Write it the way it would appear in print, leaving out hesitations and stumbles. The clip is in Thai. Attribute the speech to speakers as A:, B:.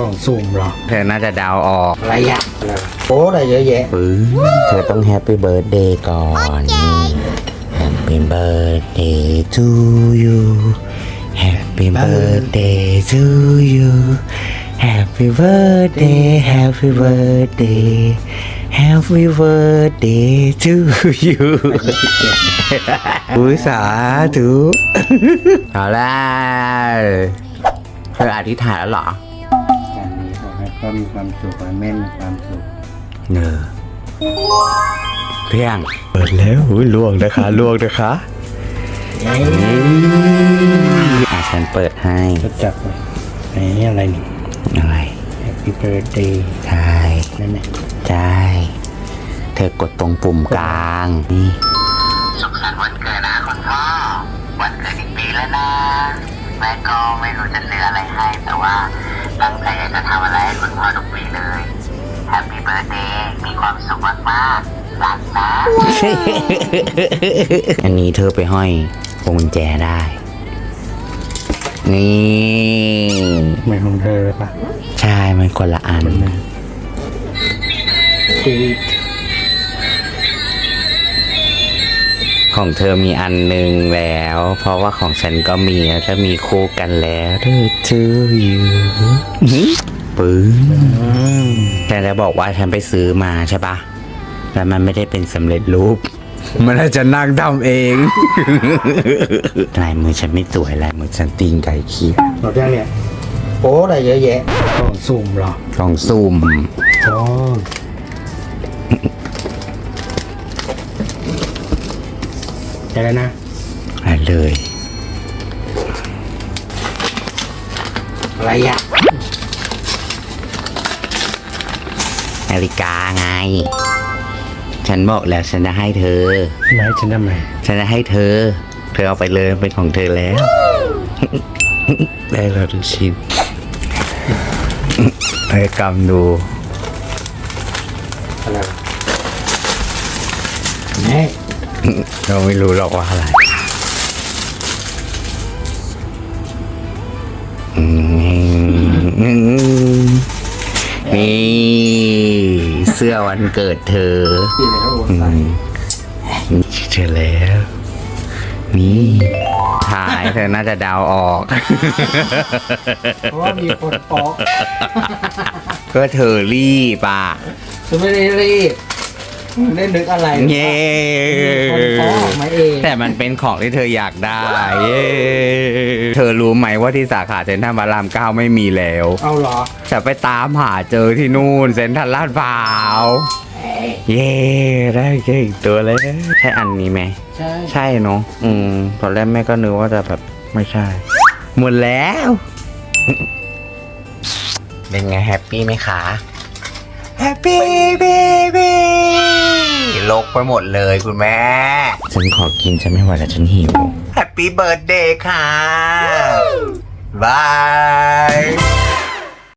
A: ล่องสุ่มเหรอ
B: เธอน่าจะเดาออก
A: อะไรอ่ะโอ้อะไรเยอะแยะ
B: เธอต้องแฮปปี้เบิร์ดเดย์ก่อนHappy birthday to you Happy birthday to you Happy birthday Happy birthday Happy birthday to you อุ้ยสาธุเอาละเธออธิษฐานแล้วเหรอ
A: การนี้ขอให้พ่อมีความสุขและแม่มีความสุข
B: เนอเพียงเปิดแล้วลวงนะคะลวงนะคะฉันเปิดให้
A: จะจับเลยอะไรนี่
B: อะไร
A: Happy Birthday
B: ใช่
A: นั่นแหละ
B: ใช่เธอกดตรงปุ่มกลางนี่
C: สุขสันต์วันเกิดนะคุณพ่อวันเกิดอีกปีแล้วนะแม่ก็ไม่รู้จะซื้ออะไรให้แต่ว่าตั้งใจอยากจะทำอะไรให้คุณพ่อทุกปีเลย Happy Birthday มีความสุขมากๆรักนะ
B: อันนี้เธอไปห้อยพวงกุญแจได้นี่
A: เหมือนของเธอเลยปะ
B: ใช่มันคนละอันของเธอมีอันหนึ่งแล้วเพราะว่าของฉันก็มีถ้ามีคู่กันแล้วเธออยู่ปื้มแต่จะบอกว่าฉันไปซื้อมาใช่ปะแล้วมันไม่ได้เป็นสำเร็จรูปมันอาจจะนั่งทำเองลายมือฉันไม่สวยลายมือฉันตีนไก่ขี้
A: เราได้เนี่ยโอ้อะไรเยอะแยะกล่องสุ่มเหรอก
B: ล่องซุ่ม
A: อ๋อได้แล้วนะ
B: อะไรเลย
A: อะไรอ่ะ
B: นาฬิกาไงฉันบอกแล้วฉันจะให้เธอ
A: ไม่ฉันทำไม
B: ฉันจะให้เธอเอาไปเลยเป็นของเธอแล้วได้แล้วทุกชิ้นให้กำดู
A: อะไรแม่
B: เราไม่รู้หรอกว่าอะไรนี่เสื้อวันเกิดเธอเจอแล้วนี่ถ่ายเธอน่าจะเดาออก
A: เพราะว่ามีคนปอก
B: ก็เธอรีบอ่ะ
A: ฉันไม่ได้รีบไม่นึกอะไร
B: เย้
A: คนปอกมาเอง
B: แต่มันเป็นของที่เธออยากได้เย้เธอรู้ไหมว่าที่สาขาเซ็นทรัลพระราม 9ไม่มีแล้ว
A: เอาเหรอ
B: จะไปตามหาเจอที่นู่นเซ็นทรัลลาดพร้าวเย้ได้แค่อีกตัวเลยใช่อันนี้ไหมใช่เนาะตอนแรกแม่ก็นึกว่าจะแบบไม่ใช่หมดแล้วเป็นไงแฮปปี้ไหมคะแฮปปี้เบบี้ลกไปหมดเลยคุณแม่ฉันขอกินฉันไม่ไหวแล้วฉันหิวแฮปปี้เบิร์ธเดย์ค่ะบาย